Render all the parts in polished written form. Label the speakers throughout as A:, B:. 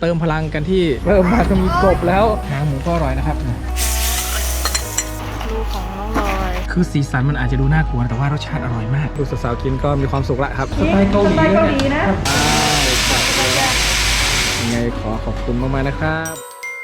A: เติมพลังกันที่เริ่มมาก็มีกบแล้วหางหมูก็อร่อยนะครับ
B: ลูกของน้องลอย
A: คือสีสันมันอาจจะดูน่ากลัวแต่ว่ารสชาติอร่อยมากดูสาวๆกินก็มีความสุขละครับสไตล์เกาหลีนะยังไงขอขอบคุณมากๆนะครับ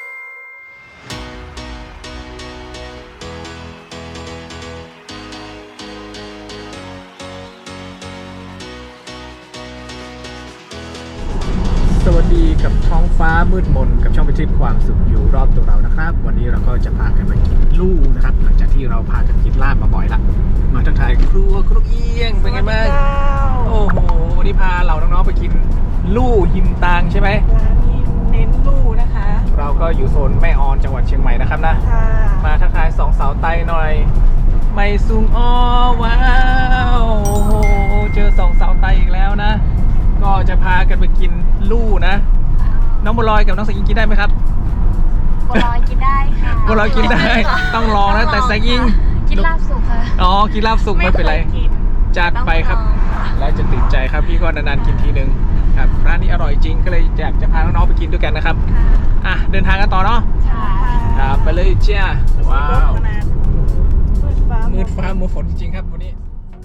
A: สวัสดีกับท้องฟ้ามืดมนกับช่องไปทริปความสุขอยู่รอบตัวเรานะครับวันนี้เราก็จะพากันไปกินลู่นะครับหลังจากที่เราพากันกินลาบมาบ่อยละมาทักทายครัวเอียงเป็นไงบ้างโอ้โหวันนี้พาเราน้องๆไปกินลู่หิมตางใช่ไหม
B: ร้านนี้เน้นลู่นะคะ
A: เราก็อยู่โซนแม่ออนจังหวัดเชียงใหม่นะครับนะมาทักทายสองสาวไตหน่อยไม่ซุงอ้อว้าวโอ้โหเจอสองสาวไตอีกแล้วนะก็จะพากันไปกินลู่นะน้องบัวลอยกับน้องสายยิงกินได้ไหมครับ
C: บัวลอยกินได้ค่ะ
A: บัวลอยกินได้ต้องลองนะแต่สายยิง
C: กินลาบสุกค่ะ
A: อ๋อกินลาบสุกไม่เป็นไรจัดไปครับแล้วจะติดใจครับพี่ก็นานๆกินทีนึงครับร้านนี้อร่อยจริงก็เลยอยากจะพาน้องๆไปกินด้วยกันนะครับอ่ะเดินทางกันต่อเนาะครับไปเลยเจ้าว้าวมืดฟ้ามัวฝนจริงๆครับวันนี้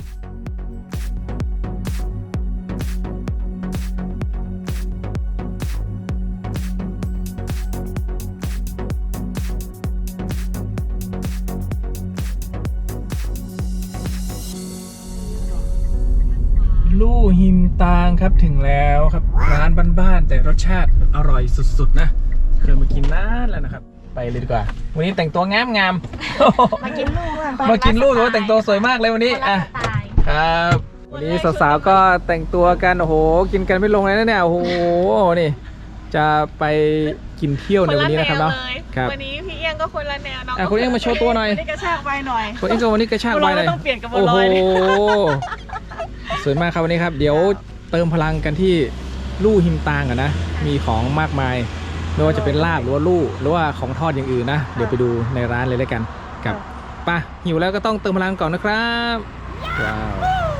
A: ลู่หิมตางครับถึงแล้วครับร้านบ้านๆแต่รสชาติอร่อยสุดๆนะเคยมากินนานแล้วนะครับไปเลยดีกว่าวันนี้แต่งตัวงาม
C: มากินลู่
A: มากินลู่หรือว่าแต่งตัวสวยมากเลยวันนี้อ่ะครับวันนี้สาวๆก็แต่งตัวกันโอ้โหกินกันไม่ลงเลยนะเนี่ยโอ้โหนี่จะไปกินเที่ยวในวันนี้นะครับเนาะครับ
B: วันนี้พี่เอี้ยงก็คนละแนวน้อง
A: คุณเอี้ยงมาโชว์ตัวหน่อย
B: นี่กระชากไวหน่อย
A: คุณเอี้ยงก็วันนี้กระชากไวหน่อย
B: ต้องเปลี่ยนกับบัวลอย
A: สวยมากครับวันนี้ครับเดี๋ยวเติมพลังกันที่ลู่หิมตางกันนะมีของมากมายไม่ว่าจะเป็นลาบหรือว่าลู่หรือว่าของทอดอย่างอื่นนะเดี๋ยวไปดูในร้านเลยแล้วกันกับป่ะหิวแล้วก็ต้องเติมพลังก่อนนะครับว้าว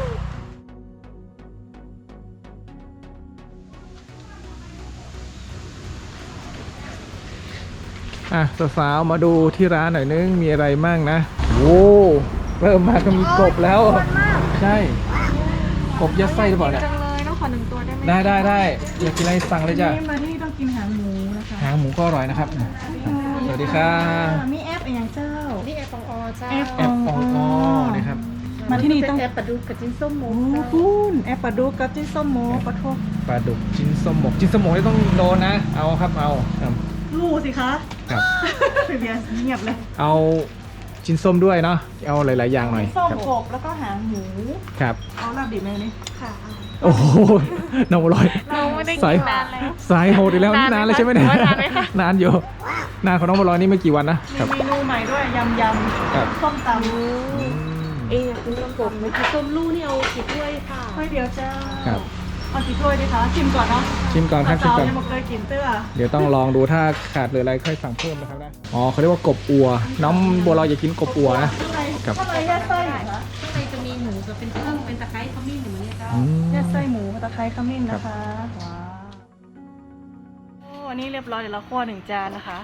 A: สาวๆมาดูที่ร้านหน่อยนึงมีอะไรมั่งนะโว้เริ่มมาก็มีกบแล้วใช่กบยัดไส้หรือเปล่าเนี่ย
B: จังเลยต้องขอ1 ตัวได้ไหม
A: ได้อยากกินอะไรสั่งเลยจ้ะ
B: มาที่ต้องกินหางหมูนะคะ
A: หางหมูก็อร่อยนะครับสวัสดีครับ
B: มีแอปอย่างเจ้า
C: นี่แอปปองอเจ้า
A: แอปปองอนี่ครับ
B: มาที่นี่ต้อง
C: แอปปลาดุกกับจิ้นส้มหมู
B: คุณแอปปลาดุกกับจิ้นส้มหมูปลาทู
A: ปลาดุกจิ้นส้มหมกจิ้นส้มหมกนี่ต้องโดนนะเอาครับเอา
B: ลู่สิคะ
A: ครับ
B: เบียร์เงียบเลย
A: เอาจิ้นส้มด้วยเนาะเอาหลายๆอย่างหน่อย
B: ส้มกบแล้วก็หางหมู
A: ครับ
B: เอาลาบดิบไหมนี่ค่ะ
A: โอ้โหน้องบัวลอย
B: เราไม่ได้กินนานแล้ว
A: สายโหดอีกแล้วนี่นานเลยใช่ไหมเนี่ยนานอยู่นานของน้องบัวลอยนี่ไม่กี่วันนะ
B: มีเมนูใหม่ด้วยยำส้มต
C: ำคุณส้มกบเมื่อกี้ส้มลู่นี่เอากี่ถ้วยค่ะ
B: ถ้วยเดียวจ้า
A: ครับ
B: เอากี่ถ้วยดีคะชิมก่อนเนาะ
A: ชิมก่อนครับชิมก่อน
B: ยังไม่เคยกินเตื้อ
A: เดี๋ยวต้องลองดูถ้าขาดหรืออะไรค่อยสั่งเพิ่มนะครับนะอ๋อเขาเรียกว่ากบอัวน้องบัวลอยอย่ากินกบอัวนะ
B: ข้างในแยกไส้เหรอคะ
C: ข้างในจะมีหมูกับเป็นกุ้งเป็นตะไคร้ขมิ้นอย่างนี้จ้า
B: แยกไส้หมูตะไคร้ขมิ้นนะคะว้าวโอ้อันนี้เรียบร้อยเดี๋ยวเราคั่ว1 จานนะคะ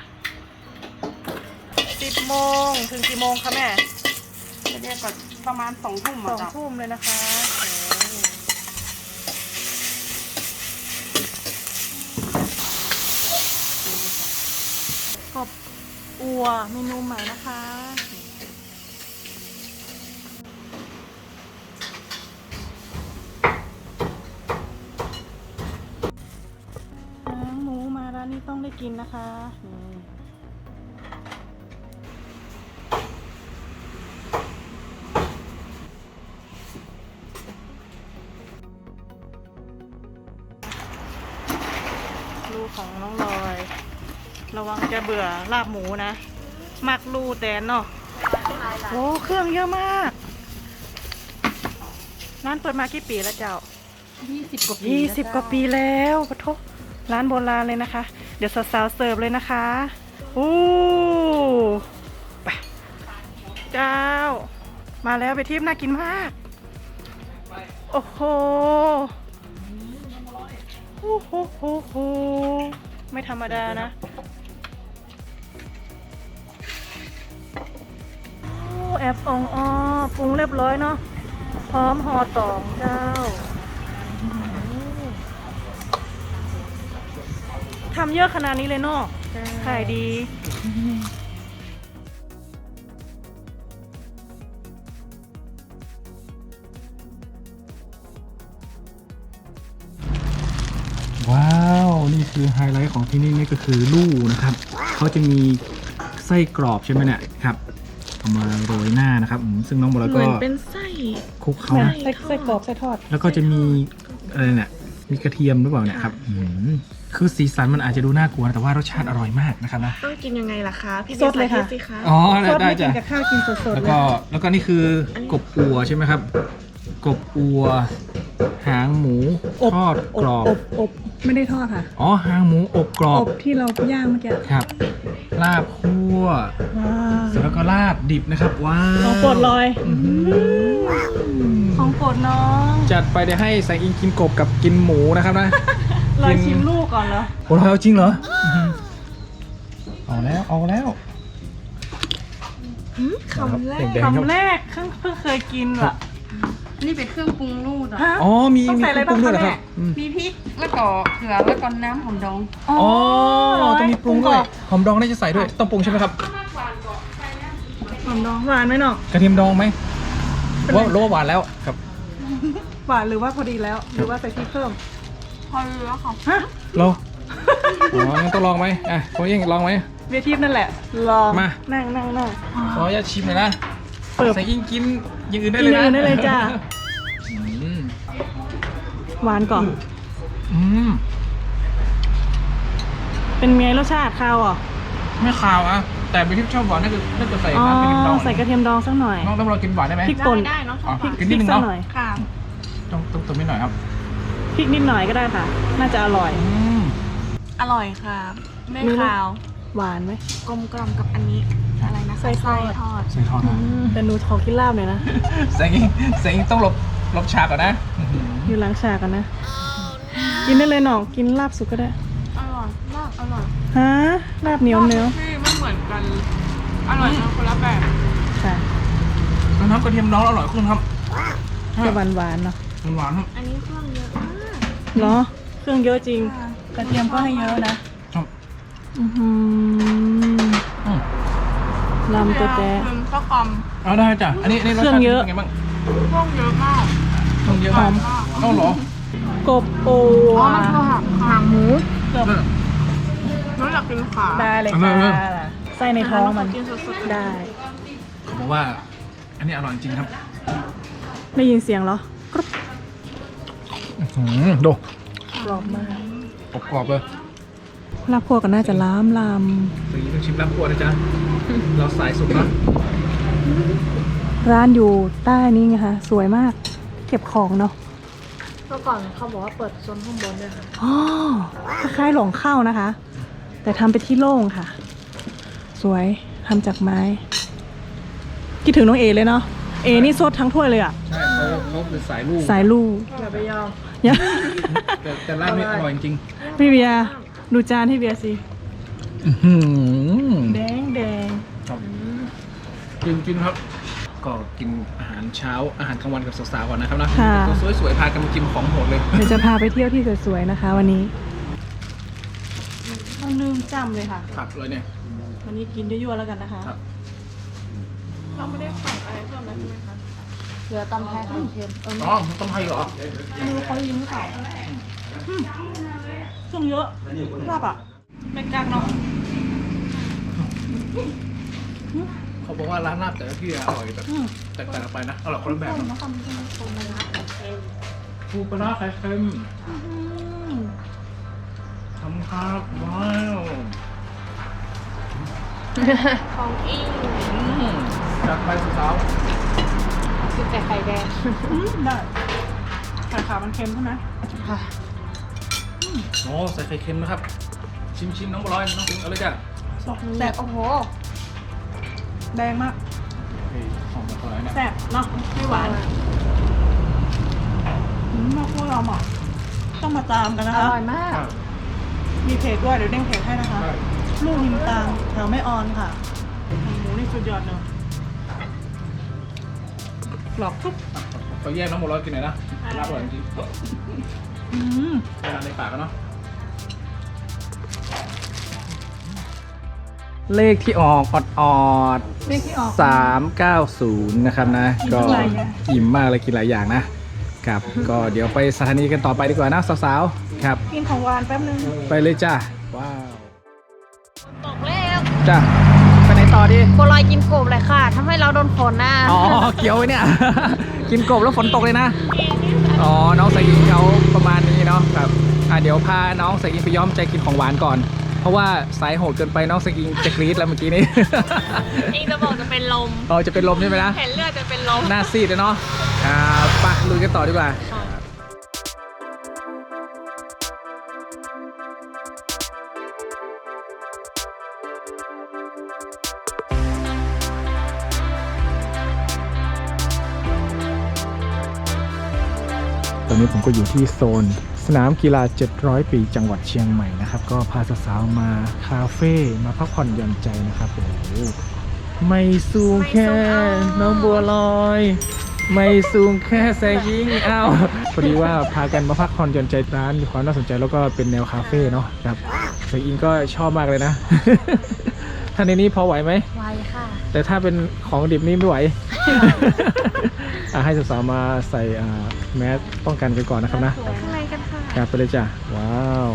B: 10 โมงถึงกี่โมงคะแม่
C: เรียกก่อนประมาณ2 ทุ่ม
B: 2 ทุ่มเลยนะคะกบอัวเมนูใหม่นะคะหมูมาร้านนี้ต้องได้กินนะคะลูกของน้องลอยระวังจะเบื่อลาบหมูนะมักลูแตนเนาะโอ้เครื่องเยอะมากร้านเปิดมากี่ปีแล้วเจ้า
C: 20 กว่าปี
B: 20 กว่าปีแล้วปะทบร้านโบราณเลยนะคะเดี๋ยวสาวๆเสิร์ฟเลยนะคะโอ้ไปเจ้ามาแล้วไปทิพย์น่ากินมากโอ้โหโอ้โหไม่ธรรมดานะโอ้แอบอ่องอ้อปรุงเรียบร้อยเนาะพร้อมห่อตองเจ้าทำเยอะขนาดนี้เลยเนาะขายดี
A: ว้าว นี่คือไฮไลท์ของที่นี่นี่ก็คือลู่นะครับเขาจะมีไส้กรอบใช่ไหมเนี่ยครับเอามาโรยหน้านะครับซึ่งน้องโบรา
C: เห
A: ก็
C: มือนเป็นไส้
A: คลุกเขา
B: แม่
A: นะ
B: ไส้กรอบไส้ทอด
A: แล้วก็จะมีอะไรเนี่ยมีกระเทียมหรือเปล่าเนี่ยครับคือสีสันมันอาจจะดูน่ากลัวแต่ว่ารสชาติอร่อยมากนะครับนะ
C: ต้องกินยังไงล่ะคะพี่
B: สดเลยค่ะ
C: สาธิตสิคะ
A: อ๋อ
B: ซด
A: ได้
B: ไม่กิ
A: จ้ะ
B: นกับข้าวกินสดๆ
A: แล้ว
B: เลย
A: ก็นี่คือกบอัวใช่ไหมครับ กบอัว หางหมูทอดกรอบ
B: อบไม่ได้ทอดค่ะ
A: อ๋อหางหมูอบกรอ
B: อบ บที่เราย่างเมื่อกี้
A: ครับ ลาบคั่ว
B: ว้าว
A: เสร็จแล้วก็ลาบดิบนะครับว้าว
B: ของโปรดเลย
A: อื้อหือ
B: ของโปรดน้อง
A: จัดไปเดี๋ยวให้แสงอิงกินกบกับกินหมูนะครับนะ
B: เราชิมลูกก่อนเหรอ
A: โอ้เราจริงเหรอเอาแล้ว
C: คำแรก
A: แดงๆครับ
B: คำแรกเพิ่งเคยกินว่ะ
D: นี่เป็นเครื่องปรุงรูดอ่ะ
B: ฮะ
A: อ๋อมี
B: ต้องใส่อะไร
A: ปรุงด้วยเหรอ
B: บ้าง
A: ค
B: คะ
A: รับ
B: แม่
D: มีพริก แล้วก็เกลือ แล้วก็น้ำหอมดอง
A: อ๋อต้องมีปรุงด้วยหอมดองน่าจะใส่ด้วยต้องปรุงใช่ไหมครับ
B: หอมดองหวานไหมน้อง
A: กระเทียมดองไหมว่ารู้ว่าหวานแล้วครับ
B: หวานหรือว่าพอดีแล้ว หรือว่าใส่พริกเพิ่ม
D: พอแล้วค่ะ
B: ฮะ
A: เราอ๋องั้นต้องลองไหมอ่ะคุณยิ่งลองไหม
B: เวทีนั่นแหละ ลอง
A: มา
B: นั่ง
A: ขออนุญาตชิมหน่อยนะ
B: เปิด
A: แสงอิงกินอย่างอื่นได้
B: กิน
A: เลย
B: อย่าง
A: นะ
B: อื่นได้เลยจ้า
A: อืม
B: หวานก่อน
A: อืม
B: เป็นไงรสชาติข้าวอ่ะ
A: ไม่คาวอ่ะแต่เป็นที่ชอบหวานน่าจะใส่
B: อ๋อ
A: น้ำกระเทียมดอง
B: ใส่กระเทียมดองสักหน่อย
A: น้องต้องรอกินหวานได้ไหม
B: พริกป่น
D: ได้เนาะ
A: อ๋อ
B: พริก
A: กินนิดนึง
B: สัก
A: เนาะ
B: หน่อย
D: ค่ะ
A: ต้องตัวนิดหน่อยครับ
B: พริกนิดหน่อยก็ได้ค่ะ น่าจะอร่อย
A: อืม
D: อร่อยค่ะ ไม่
B: มีลูก
D: ขาว
B: หวานไหม
D: กลมกล่อมกับอันนี้ อะไรนะ
B: ไส้ทอด
D: ทอด
A: ใส่ทอดนะ
B: แต่หนูขอกินลาบหน่อยนะ
A: แสงอิงต้องลบฉากก่อนนะ
B: อยู่ล้างชากันนะ กินได้เลยหนองกินลาบสุกก็ได้
D: อร่อยมากอร่อย
B: ฮะลาบเหนียวเนื้อ
D: ที่ไม่เหมือนกัน อร่อยนะคนละแบบ
B: ค่ะ
A: น้ำกระเทียมดองอร่อยขึ้นครับ
B: จะหวานๆเนาะ
A: หวานๆครับ
D: อันนี้เครื่องเยอะมาก
B: เนาะเครื่องเยอะจริง
D: ค่ะ
B: กระเทียมก็ให้เยอะนะครับ อื้อหือ
A: อืม
B: ลำตัวแจ๊
D: คือข้าวกล่อม
A: เอาได้จ้ะอันนี้รส
B: เครื่
A: ชา
B: อง
A: ติ
B: เยอะ
A: เป็นไงบ้าง
D: เครื่องเยอะมาก
A: เครื่องเยอะมากเอ้าเหรอก
B: บโอ
D: อ๋อมันคือหางหมู
B: เกือบ
D: น้องอยากกินขา
B: ได้เลยค่ะไส้ในท้องมัน
D: กินสดๆ
B: ได้
A: เขาบอกว่า อันนี้อร่อยจริงครับ
B: ได้ยินเสียงเหรอ
A: ดู
B: กรอบมาก
A: กรอบๆเลย
B: ลาบคั่วก็น่าจะล้ามล
A: สีต้องชิมลาบคั่วนะจ๊ะ เราสายสุกเนาะ
B: ำร้านอยู่ใต้นี้ไงคะสวยมาก เก็บของเนาะ
C: เมื่อก่อนเขาบอกว่าเปิดโซนข้างบนด้วยค่ะ
B: อ๋อคล้ายๆหลงเข้านะคะ แต่ทำไปที่โล่งค่ะ สวยทำจากไม้คิดถึงน้องเอเลยเนาะเอนี่ซดทั้งถ้วยเลยอ่ะ
A: ใช่เขาคือสายลูก
B: สายลูก
C: อย่าไปยอม
B: อย่า
A: แต่ลาบนี่อร่อยจริง
B: พี่เบียร์ดูจานที่เบียร์สิ
A: ๆ
B: แดงแดง
A: ครับจริงๆครับ ก็กินอาหารเช้าอาหารกลางวันกับสาวๆก่อนนะครับนะ
B: ค่ะ
A: ตัวสวยๆพากันมากินของโหดเลย
B: เดี๋ยวจะพาไปเที่ยวที่สวยๆนะคะ วันนี้ต้องลืมจำเลยค่ะ
A: ผักเลยเนี่ย
B: วันนี้กินยั่วๆแล้วกันนะคะ
A: ครับ
D: เราไม่ได้สั่งอะไรเพิ่มแล้วใช่ไหมคะ
C: เหลือตำไทยไข่เค็ม
A: อ๋อต้มไทยเหรอ
B: ไม่รู้เขายิ้มหรือเปล่าเครื่องเยอะลาบอ่ะไม่กล้าเนาะ
A: เขาบอกว่าร้านลาบแต่ละที่อร่อยแบบแตกต่างกันไปนะอร่อยคนละแบบนะปูปลาร้าไข่เค็มทำครับว้าว
D: ของอิง
A: จัดไปสาว
C: กินแต่ไข่แดง
B: ได้ไข่ขาวมันเค็มใช่ไหม
C: ค่ะ
A: ๆโอ้ใส่ไข่เค็มนะครับ ชิมน้องบอลอยน้องปิงเอาเลยจ้ะ
B: แซ่บ
C: โอ้โห
B: แดงมาก
A: เฮ้ยของบอลอยเนี่ย
B: แซ่บเนาะไม่หวานมาพวกเราอ่ะต้องมาตามกันนะ
C: อ
B: คะ
C: ร่อยมาก
A: ครับ
B: มีเพจด้วยเดี๋ยวเด้งเพจให้นะคะ ลูกหิมตางแถวแม่ออนค่ะหมูนี่สุดยอดเนาะกรอบทุก
A: เขาแยกน้องบัวลอยกินหน่อยนะรับอร่อยจริง
B: อืม
A: เวลาในปากกันเนาะเลขที่ออกออด
B: เลขที่ออก
A: 390นะครับนะ ก็
B: กินหลายอย่าง
A: อิ่มมากเลยกินหลายอย่างนะครับ ก็เดี๋ยวไปสถานีกันต่อไปดีกว่านะสาวๆครับ
B: กินของหวานแป๊บนึง
A: ไปเลยจ้าว้าว
C: ตกแล้ว
A: จ้าไปไหนต่อดี
C: โบลอยกินกบเลยค่ะทำให้เราโดนฝนนะ
A: อ๋อเกี่ยวไว้เนี่ย กินกบแล้วฝนตกเลยนะ อ๋อ น้องสายอิงเขาประมาณนี้เนาะครับเดี๋ยวพาน้องสายอิงไปย้อมใจกินของหวานก่อน เพราะว่าสายโหดเกินไปน้องสายอิงจะกรี๊ดแล้วเมื่อกี้นี้
C: อิงจะบอกจะเป็นลม
A: อ๋อจะเป็นลมใช่ไหมนะ
C: เห็นเลือดจะเป็นลม
A: หน้าซีดเลยเนาะไปลุยกันต่อดีกว่า ตอนนี้ผมก็อยู่ที่โซนสนามกีฬา 700 ปีจังหวัดเชียงใหม่นะครับ ก็พาสาวๆมาคาเฟ่มาพักผ่อนหย่อนใจนะครับโอ้โหไม่สูงแค่น้องบัวลอย ไม่สูงแค่แสงยิงอ้าวพอดีว่าพากันมาพักผ่อนหย่อนใจร้านมีความน่าสนใจแล้วก็เป็นแนวคาเฟ่เนาะครับแสงอิงก็ชอบมากเลยนะ ท่านในนี้พอไหวไหม
C: ไวค่ะ
A: แต่ถ้าเป็นของดิบนี่ไม่ไหว ให้สาวๆมาใส่แมสป้องกันกันก่อนนะครับนะ
C: ข้างในกันค่ะ
A: กลับไปเลยจ้ะ ว้าว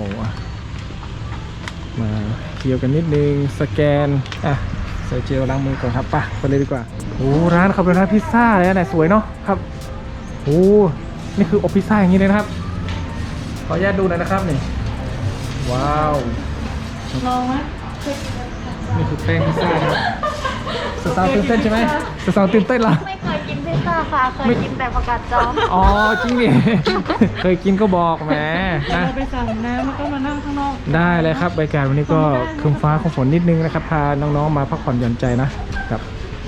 A: มาเกี่ยวกันนิดนึงสแกนใส่เจลล้างมือก่อนครับไปเลยดีกว่าโอ้ร้านเขาเป็นร้านพิซซ่าเลยนะสวยเนาะครับโอ้นี่คืออบพิซซ่าอย่างนี้เลยนะครับขออนุญาตดูหน่อยนะครับนี่ว้าว
B: ลองไหม
A: นี่คือแป้งพิซซ่าครับสาวๆตื่นเต้นใช่ไหมสาวๆตื่นเต้นเหรอ
C: ไม่เคยกินพิซซ่าค่ะ เคยกินแต่ผักกาดจอม
A: อ๋อจริงดิ เคยกินก็บอกแหม
B: เดี๋ยว
A: นะ
B: เราไปสั่งน้ำแล้วก็มานั่งข้างนอก
A: ได้เลยครับบรรยากาศวันนี้ก็ครึ้มฟ้าครึ้มฝนนิดนึงนะครับพาน้องๆมาพักผ่อนหย่อนใจนะครับ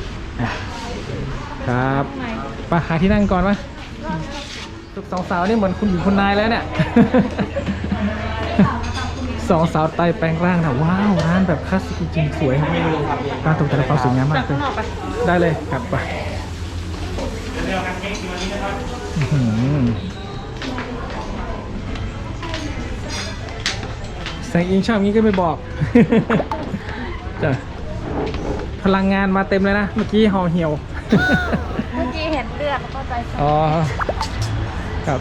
A: ครับไปหาที่นั่งก่อนไหมสองสาวนี่เหมือนคุณหญิงคุณนายแล้วเนี่ย สองสาวไต่แปลงร่างนะว้าวร้านแบบคลาสสิกจริงๆสวยร้านตกแต่ละเปาสวยงามมาก
B: จาก
A: เล
B: ข้าย งนอกไป
A: ได้เลยครับไปอื้อหือแสงอิงชอบงี้ก็ไม่บอก จ้ะพลังงานมาเต็มเลยนะ เมื่อกี้ห่อเหี่ยว
C: เมื่อกี้เห็นเลือดแล้วก็ใจสั่น
A: อ๋อ ครับ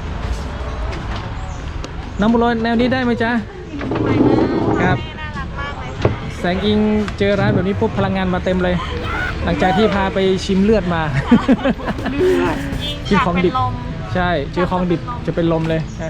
A: น้ำบุหรี่แนวนี้ได้ไหมจ๊ะ ครับ
C: น่ารักมากเลยค่ะ
A: แสงอิงเจอร้านแบบนี้ปุ๊บพลังงานมาเต็มเลย หลังจากที่พาไปชิมเลือดมา
C: อิง
A: กินของดิบ
C: อยากเป็นลม
A: ใช่ เจอของดิบจะเป็นลมเลยนะ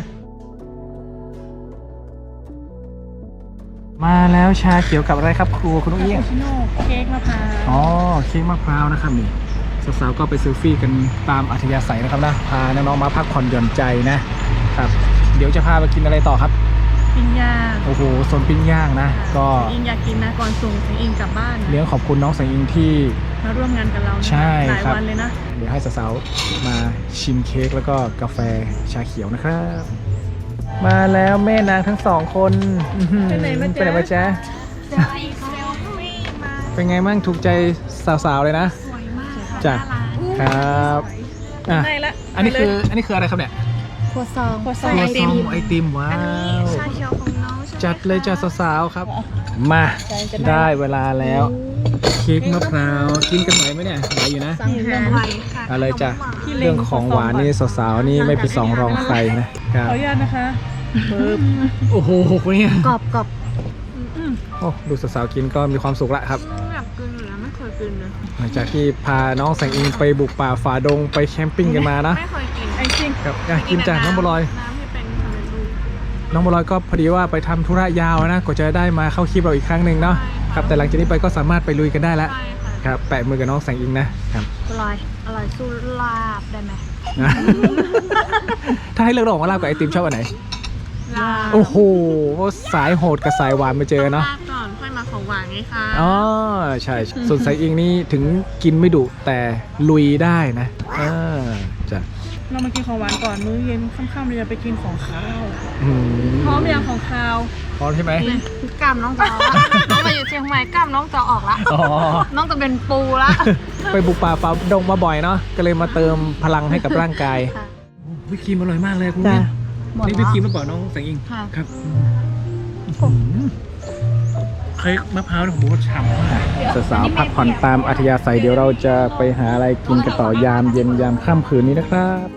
A: มาแล้วชาเขียวกับอะไรครับครูคุณนุ้งเอี้ยง
B: ชิโน่เค้กมะพร้าว
A: อ๋อเค้กมะพร้าวนะครับนี่สาวๆก็ไปเซลฟี่กันตามอัธยาศัยนะครับนะพาน้องๆมาพักผ่อนหย่อนใจนะครับ เดี๋ยวจะพาไปกินอะไรต่อครับ
B: ปิ้งย่าง
A: โอ้โหโซนปิ้งย่างนะ ก็
B: อิงอยากกินนะก่อนส่งถึงอิงกลับบ้านนะ
A: เลี้ยงขอบคุณน้องแสงอิงที่
B: มาร่วมงานกับเรานะ
A: ใช่
B: หลาย
A: ครับ
B: วันเลยนะ
A: เดี๋ยวให้สาวๆมาชิมเค้กแล้วก็กาแฟชาเขียวนะครับ มาแล้วแม่นางทั้งสองคนอื้อหือ
B: ไปไหนมาจ๊ะ
A: ไปไหนมาจ๊ะ
C: เซลฟี่มา
A: เป็นไงมั่งถูกใจสาวๆเลยนะ
C: สวยมาก
A: จ้ะครับอ่ะ
B: ได้ละ
A: อันนี้คืออะไรครับเนี่ย
C: ครัวซอง
B: ครัวซอง
A: ครัวซองไอติมว้า
C: อันนี้
A: ว
C: ชาเขียวของน้องใช่ไหม
A: จัดเลยจ้าสาวๆครับ มาได้เวลาแล้วเค้กมะพร้าวกินกันไหวไหมเนี่ยไหวอยู่นะ
C: สั่งหาไวค่ะ
A: อะไรจ้ะ
C: ขนมหวาน
A: เรื่องของหวานนี่สาวๆนี่ไม่เป็นสองรองใครนะครับ
B: ขออนุญาตนะคะปึ๊บ
A: โอ้โหเนี่ย
C: กรอบกรอบ
A: โอ้ดูสาวๆกินก็มีความสุขละครับ
C: อยากกินอยู่แล้วไม่เคยกินเลย
A: หลังจากที่พาน้องแสงอิงไปบุกป่าฝ่าดงไปแคมปิ้งกันมานะ
C: ไม่เคยกิน
B: ไอซิ่ง
A: ครับกินจากน้องบัวลอย
C: น้ำที่เป็นสำเร็จรูป
A: น้องบัวลอยก็พอดีว่าไปทำธุระยาวนะกว่าจะได้มาเข้าคลิปเราอีกครั้งหนึ่งเนาะครับแต่หลังจากนี้ไปก็สามารถไปลุยกันได้แล้ว
C: ใช่ค่ะ
A: ครับแปะมือกับน้องแสงอิงนะครับ
C: อร่อยอร่อยสู้ลาบได้ไหม
A: นะ ถ้าให้เลือกระหว่างลาบกับไอติมชอบอันไหน
C: ลาบ
A: โอ้โหสายโหดกับสายหวานมาเจอเนาะ
C: ลาบก่อนค่อยมาของหวานไงคะ
A: อ๋อใช่ ส่วนแสงอิงนี่ถึงกินไม่ดุแต่ลุยได้นะจ้ะ
B: เรามากินของหวานก่อนมื้อเย็นค่ำๆเราจะไปกินของข้าว
A: อืม
B: พร้อมยังของข้าว
A: พร้อมใช่ไหม
D: กล้ามน้องจะออกละน้องมาอยู่เชียงใหม่กล้ามน้องจะออกละ
A: อ๋อ
D: น้องจะเป็นปูละ
A: ไปบุกป่าฝ่าดงมาบ่อยเนาะก็เลยมาเติมพลังให้กับร่างกาย
D: ค่ะ
A: วิปครีมอร่อยมากเลยคุณ
B: จ้ะ
A: นี่วิปครีมหรือเปล่าน้องแสงอิง
D: ค่ะ
A: ครับเค้กมะพร้าวของผมก็ฉ่ำมากสาวๆพักผ่อนตามอัธยาศัยเดี๋ยวเราจะไปหาอะไรกินกันต่อยามเย็นยามค่ำคืนนี้นะครับ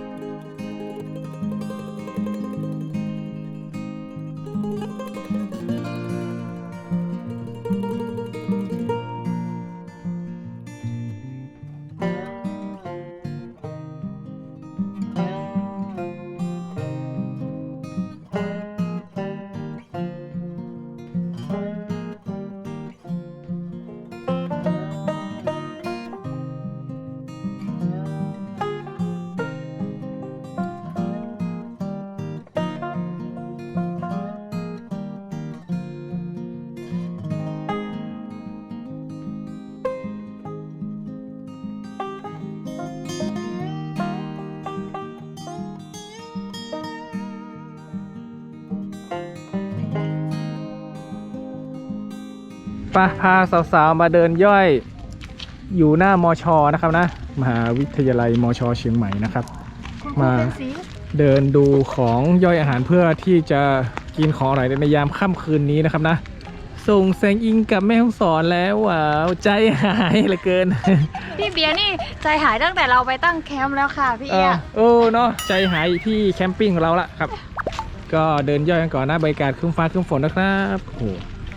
A: พาสาวๆมาเดินย่อยอยู่หน้ามชนะครับนะมหาวิทยาลัยมชเชียงใหม่นะครับ มาเดินดูของย่อยอาหารเพื่อที่จะกินของอร่อยในยามค่ำคืนนี้นะครับนะส่งแสงอิงกับแม่ฮ่องสอนแล้วว้าวใจหายเหลือเกิน
D: พี่เบียร์นี่ใจหายตั้งแต่เราไปตั้งแคมป์แล้วค่ะพี่
A: เอ
D: เอี
A: อย เออเนาะใจหายที่แคมปิ้งของเราละครับ ก็เดินย่อยกันก่อนนะบรรยากาศครึ้มฟ้าครึ้มฝนนะครับโอ้โห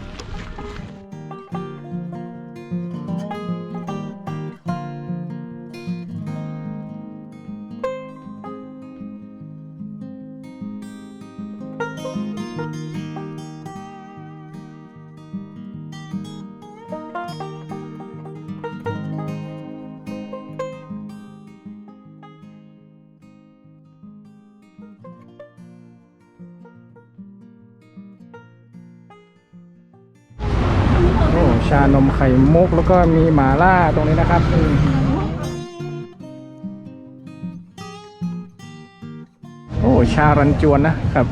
A: โอ้ชานมไข่มุกแล้วก็มีหม่าล่าตรงนี้นะครับโอ้ชารันจวนนะครับ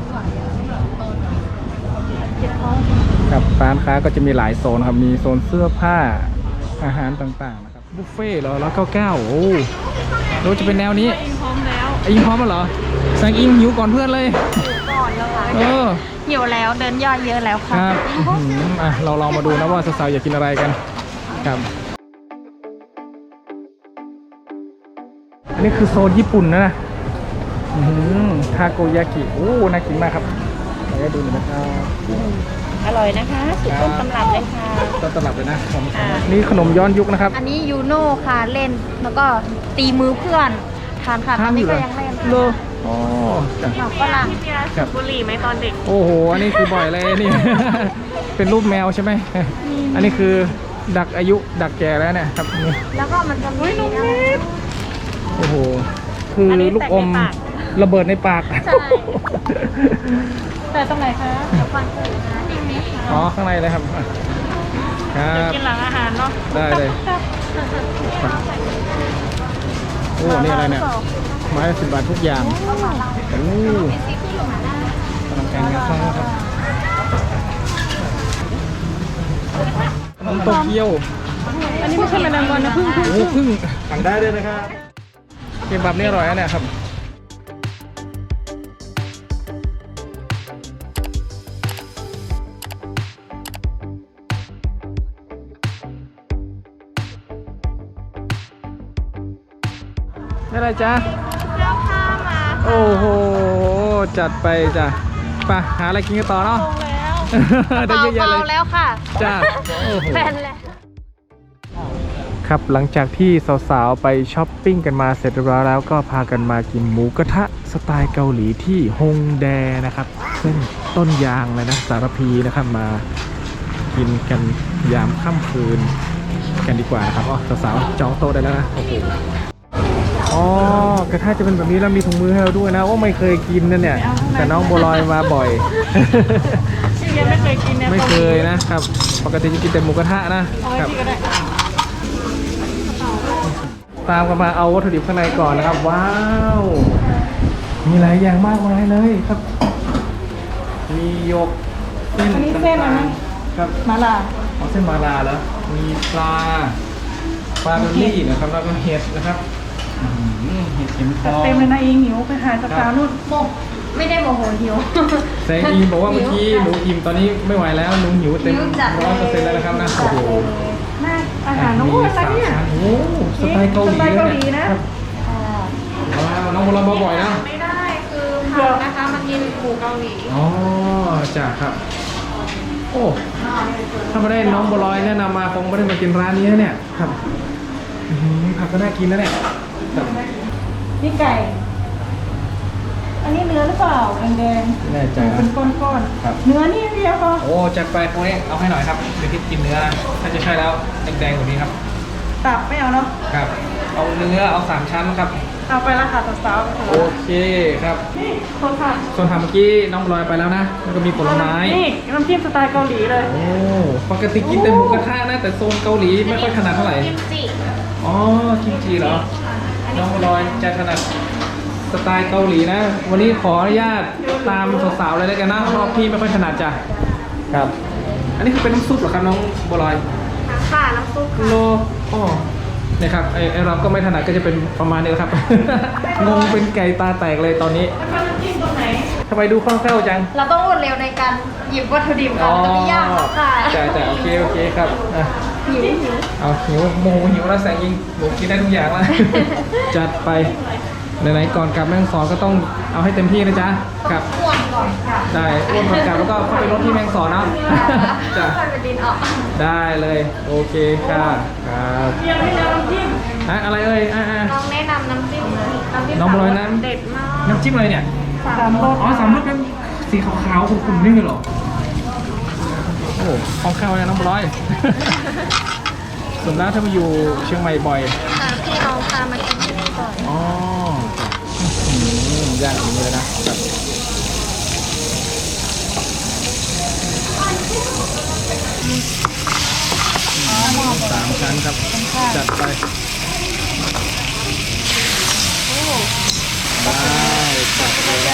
A: ครับร้านค้าก็จะมีหลายโซนครับมีโซนเสื้อผ้าอาหารต่างๆนะครับบุฟเฟ่ต์เหรอ199โอ้รู้จะเป็นแนวนี้
B: อิงพร้อมแล้ว
A: อิงพร้อมแล้วเหรอแซงอิงหิวก่อนเพื่อนเลย
D: ก่อนแล้วค่ะ
A: เออ
D: หิวแล้วเดินย่อยเยอะแล้ว
A: ค
D: ค่ะ
A: รับเราลองมาดูนะว่าสาวๆอยากกินอะไรกันครับอันนี้คือโซนญี่ปุ่นนะทาโกยากิโอ้น่ากินมากครับไปดูหน่อยนะครับ
C: อร่อยนะคะสุดต้นตำรับเลยค่ะ
A: ต้นตำรับเลยนะนี่ขนมย้อนยุคนะครับ
D: อันนี้ยูโน่ค่ะเล่นแล้วก็ตีมือเพื่อนทานค่ะตอนนี้ก็ยังเล่น
A: โลอ๋อจ้ะ
D: หมักฝรั่ง
B: พี่เบียร์สูบบุหรี่ไหมตอนเด็ก
A: โอ้โหอันนี้คือบ่อยเลยนี่ เป็นรูปแมวใช่ไหมอันนี้คือดักอายุดักแก่แล้วเนี่ยครับนี่
D: แล้วก็มันจะมีอะไร
A: โอ้โหคืออน
B: นี้
A: ลูกอม
B: แตกในปาก
A: ระเบิดในปาก
D: ใช่
B: แต่ตรงไหนคะ
D: เดี๋ยวฟังกันนะเด็กไหมคะ
A: อ๋อข้างในเลยครับครับ
B: กินหลังอาหารเนาะ
A: ได้เลย โอ้นี่อะไรเนี่ยไม้ละ10 บาททุกอย่างโอ้กำลังแข่งกันฟังครับขนมโตเกียว
B: อันนี้ไม่ใช่แมลงวันนะพึ่ง
A: โอ้พึ่งสั่งได้เลยนะครับเค็มแบบนี้อร่อยนะเนี่ยครับนี่อะไรจ๊ะ
D: แล้วข้ามา
A: โอ้โห จัดไปจ้ะไปหาอะไรกินกันต่อเนาะ ได้เยอะแยะเลย
D: เบาๆแล้วค่ะ
A: จ้าโอ้โห
D: แฟนแล้ว
A: ครับหลังจากที่สาวๆไปช้อปปิ้งกันมาเสร็จเรียบร้อยแล้วก็พากันมากินหมูกระทะสไตล์เกาหลีที่ฮงแดนะครับซึ่งต้นยางเลยนะสารพีนะครับมากินกันยามค่ำคืนกันดีกว่านะครับอ๋อสาวๆจองโต๊ะได้แล้วนะโอ้โหอ๋อกระทะจะเป็นแบบนี้แล้วมีถุงมือให้เราด้วยนะว่าไม่เคยกินนะเนี่ยแต่น้องบัวลอยมาบ่อย
B: พี่เบียร์ไม่เคยกินเนี่ย
A: ไม่เคยนะครับ ปกติจะกินแต่หมูกระทะนะ
B: เอาไว้
A: ครับ
B: พี่ก็ได้
A: ตามกันมาเอาวัตถุดิบข้างในก่อนนะครับ ว้าว มีหลายอย่างมากมายเลยครับ มีหยกเส้น
B: อันนี้เส้นอะไร
A: ต่างๆครับ
B: มาล่ะ
A: เอาเส้นมาลาแล้ว มีปลาดอลลี่นะครับ แล้วก็เห็ดนะครับเห็ดเข็มท
B: จัด
A: อง
B: เต็มเลยนะอิงหิวไปหาสาวๆนู่น
D: โมไม่ได้โมโหหิว
A: แสงอิงบอกว่าเมื่อกี้หนูอิ่มตอนนี้ไม่ไหวแล้วหนูหิวเต็ม
D: หิวจัดเลย
A: 100%แล้วนะครับนะโอ้โห
B: น่าอาหารน้องโอ้ยอะไรเนี่ย
A: โอ้โหสไตล์เกาหลี
B: สไตล์เกาหลี
A: เลย
B: นะ
A: ครับว้าวน้องโบราณบ่อยๆนะ
C: ไม่ได้คือผักนะคะมากินหมูเกาหลี
A: อ๋อจ้ะครับ โอ้ถ้าไม่ได้น้องบัวลอยแนะนำมาคงไม่ได้มากินร้านนี้นะเนี่ยครับอื้อหือผักก็น่ากินนะเนี่ยครับ
B: นี่ไก่ อันนี้เนื้อหรือเปล่าแดง
A: แน่ใจ
B: ๆ
A: นะ
B: เป็นก้อน
A: ครับ
B: ๆเนื้อนี่เดียวพอ
A: โอ้จัดไปพวกนี้เอาให้หน่อยครับเดี๋ยวพี่กินเนื้อนะถ้าจะใช่แล้วแดงๆกว่านี้ครับ
B: ตับไม่เอาเนาะ
A: ครับ เอาเนื้อเอา3ชั้นครับ
B: เอาไปละค่ะสาวๆ
A: โอเคครับ
B: นี่คนค่ะ
A: ส่วนทำเมื่อกี้น้องบัวลอยไปแล้วนะแล้วก็มีผลไม้
B: นี่น้ำจิ้มสไตล์เกาหลีเลย
A: โอ้ปกติกินแต่หมูกระทะนะแต่โซนเกาหลีไม่ค่อยถนัดเท่าไหร่
C: กิมจิ
A: อ๋อกิมจิเหรอ น้องบัวลอยจะถนัดสไตล์เกาหลีนะ วันนี้ขออนุญาตตามสาวๆเลยแล้วกันนะเพราะพี่ไม่ค่อยถนัดจ้ะครับ อันนี้คือเป็นน้ำซุปเหรอครับน้องบัวลอย
C: ค่ะน้ำซุป
A: โลอ๋อเนี่ยครับไอเราก็ไม่ถนัดก็จะเป็นประมาณนี้แหละครับ งงเป็นไก่ตาแตกเลยตอนนี้
B: แล้วก็น้ำจิ้มตรงไหน
A: ทำไมดูคล่องแคล่วจัง
D: เราต้องรวดเร็วในการหยิบวัตถุดิบก่อนมันไม่ยากหรอกค่ะ
A: จ้ะโอเคครับอ่ะ
D: หิว
A: เอาหิวโมโหหิวแล้วแสงยิงหนูกินได้ทุกอย่างแล้ว จัดไปไหนๆก่อนกลับแม่ฮ่องสอนก็ต้องเอาให้เต็มที่นะจ๊ะครับ
D: อ้วนก่อนค่ะ
A: ได้อ้วนก่อนกลับแล้วก็เข้าไปรถที่แม่ฮ่องสอนเนาะ จ้ะ
D: ค่อยไปดินออก
A: ได้เลยโอเคค่ะครับ
B: เตรียมให้แล้วน้ำจิ้ม
A: อ่ะอะไรเอ่ย
C: น้องแนะนำน้ำจิ้มเลยน้ำจิ้ม
A: น้องบัวลอยน้ำ
C: เด็ดมาก
A: น้ำจิ้มอะไรเนี่ย
B: 3 รส
A: อ๋อสามรสเป็นสีขาวๆขุ่นๆนี่เลยเหรอโอ้คล่องแคล่วเลยน้องบัวลอย ส่วนแล้วถ้ามาอยู่เชียงใหม่บ่อย
C: ค่ะพี่น้องพามากินที่นี่ก่อน
A: อ๋อย่างอย่างนี้เลยนะครับ3 ชั้นครับ จัดไปได้จัดเลย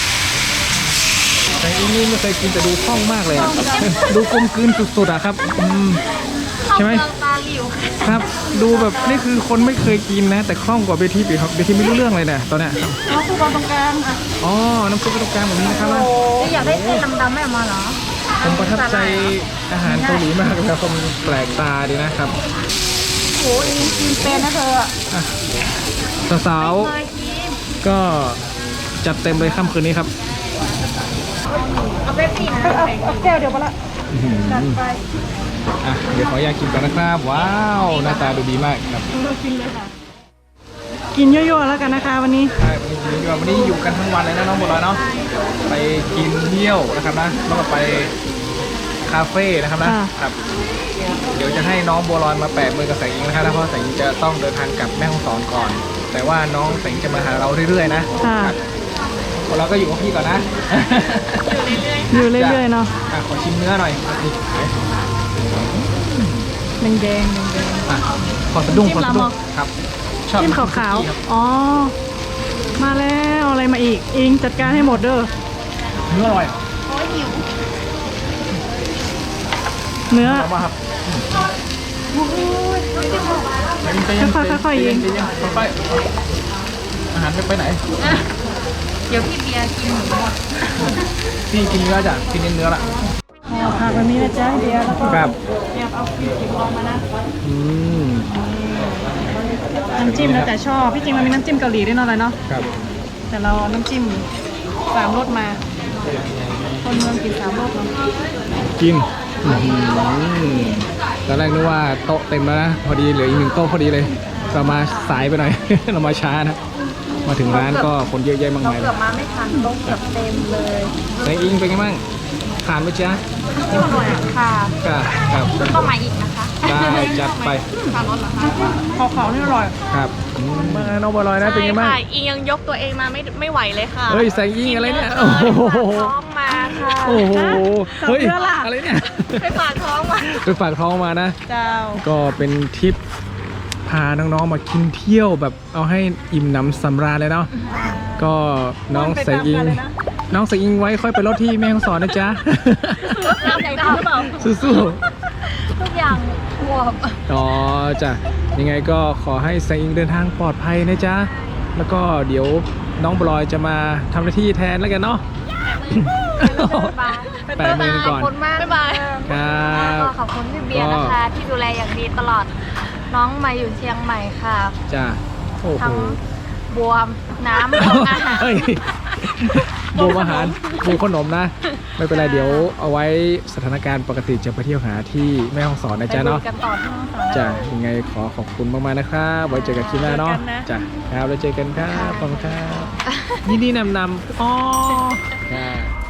A: แต่อีนี่ไม่เคยกินแต่ดูคล่องมากเลยอะดูกลมกลืนสุดๆอะครับใช่ไหม
C: ตาหลิว
A: ครับ ดูแบบนี่คือคนไม่เคยกินนะ แต่คล่องกว่าเบทีปีครับเบทีไม่รู้เรื่องเลยเนี่ยตอนเนี้ย
B: เอาคู่บอลตรงกลางอ่ะ
A: อ๋อ น้ำซุปตรงกลางแบบนี้นะครับ
D: อยากได้เส้นดำๆไม่ออกมาเหรอ
A: ผมประทับใจอาหารเกาหลีมากเลยครับผมแปลกตาดีนะครับ
B: โอ้ยกินเป็นนะเธออะ
A: สาวๆก็จัดเต็มเลยค่ำคืนนี้ครับ
D: เอาเป๊ปซี่นะ
B: เอาแก้วเดียวพอละจัดไป
A: อ่ะเดี๋ยวขออยากกินก่อนนะครับ ว้าว หน้าตาดูดีมากครับ
B: กินเลยค่ะ กินเยอะๆแล้วกันนะคะวันนี้
A: ใช่วันนี้อยู่กันทั้งวันเลยนะน้องบัวลอยเนาะไปกินเที่ยวนะครับนะแล้วก็ไปคาเฟ่นะครับนะครับ เดี๋ยวจะให้น้องบัวลอยมาแปะมือกับแสงอิงนะครับเพราะแสงอิงจะต้องเดินทางกลับแม่ฮ่องสอนก่อน แต่ว่าน้องแสงจะมาหาเราเรื่อยๆนะ
B: ค่ะ
A: ครับเราก็อยู่กับพี่ก่อนนะ
B: อยู่เรื่อยๆเนาะ
A: อ่ะขอชิมเนื้อหน่อยนี่
B: แดงๆ
A: อ่ะขอสะดุ้ง
B: จิ้ม
A: ขอสะดุ้
B: ลำเหรง อ
A: ครับชอบ
B: จิ้มขาว
A: คุกกี้ครับ
B: ๆอ๋อ มาแล้วอะไรมาอีก อิงจัดการให้หมดเด้อ
A: เนื้ออร่อย
B: เนื้อ
A: เอามาครับ
B: ค่อยๆยิง
A: ค่อยๆอาหารไม่ไปไหน
D: เดี๋ยวพี่เบียร์กินหมูหมด
A: พี่กินเนื้อจ้ะกินเนื้อละ
B: เอาผักแบบนี้นะจ๊ะเดียวแล้วก็
A: ครับ
B: เตรียมเอาพริกขิงลงมานะ
A: อืม
B: น้ำจิ้มแล้วแต่ชอบ พี่จริงมันมีน้ำจิ้มเกาหลีด้วยเนาะอะไรเนาะ
A: ครับ
B: แต่เราเอาน้ำจิ้ม3 รสมา คนเมืองกิน3 รสเนาะ
A: กินตอนแรกนึกว่าโต๊ะเต็มแล้วนะพอดีเหลืออีก1โต๊ะพอดีเลย เรามาสายไปหน่อย เรามาช้านะ มาถึงร้านก็คนเยอะแยะมาก
D: เรา
A: มาย
D: เกือบมาไม่ทันโต๊ะเกือบเต็มเลย
A: แสงอิงเป็นไงบ้างผ่านไหมจ๊ะ
D: ที่อร่อยค่ะ
A: ครับ
D: ก็มาอีกนะคะ
A: ได้จัดไป
C: ทานรสเหรอคะ
B: ขาวๆนี่อร่อย
A: ครับมาน้องบัวลอยนะเป็นไงบ้าง
C: ใช่ค่ะอิงยังยกตัวเองมาไม่ไหวเลยค่ะ
A: เฮ้ยแสงอิงอะไรเนี่ย
C: โอ้
A: โอ้
C: โห
A: โห
C: ท้องมาค่ะ
A: โอ้โหเฮ้ย
B: เสื้อล่ะ
A: อะไรเนี่ย
C: ไปฝากท้องมา
A: ไปฝากท้องมานะ
B: เจ้า
A: ก็เป็นทริปพาน้องๆมากินเที่ยวแบบเอาให้อิ่มหนำสำราญเลยเนาะก็น้องใส่อิงน้องใส่อิงไว้ค่อยไปรถที่แม่ฮ่องสอนนะจ๊ะ
D: รับใจได้หรือเปล่า
A: สู้
D: ทุกอย่างบวม
A: ๆอ๋อจ้ะยังไงก็ขอให้ใส่อิงเดินทางปลอดภัยนะจ๊ะแล้วก็เดี๋ยวน้องบลอยจะมาทำหน้าที่แทนแล้วกันเนาะ แปะมือก่อน
D: ขอบคุณมากบ๊ายบาย
A: ครับ
D: ก็ขอบคุณพี่เบียร์นะคะ ที่ดูแลอย่างดีตลอดน้องมาอยู่เชียงใหม่ค่ะ
A: จ้ะโอ้โห
D: ทั้งบวมน้ำของอาหาร
A: เฮ้ยบวมอาหารบวมขนมนะ ไม่เป็นไรเดี๋ยวเอาไว้สถานการณ์ปกติจะไปเที่ยวหาที่แม่ฮ่องสอนนะจ๊ะเนาะ
D: ไปดูกันต่อที่ห้องสอนนะ
A: จ้ะยังไงขอขอบคุณมากๆนะครับไว้เจอกันคลิปหน้าเนาะจ้ะครับแล้วเจอกันครับขอบคุณครับยินดีนำอ๋อครับ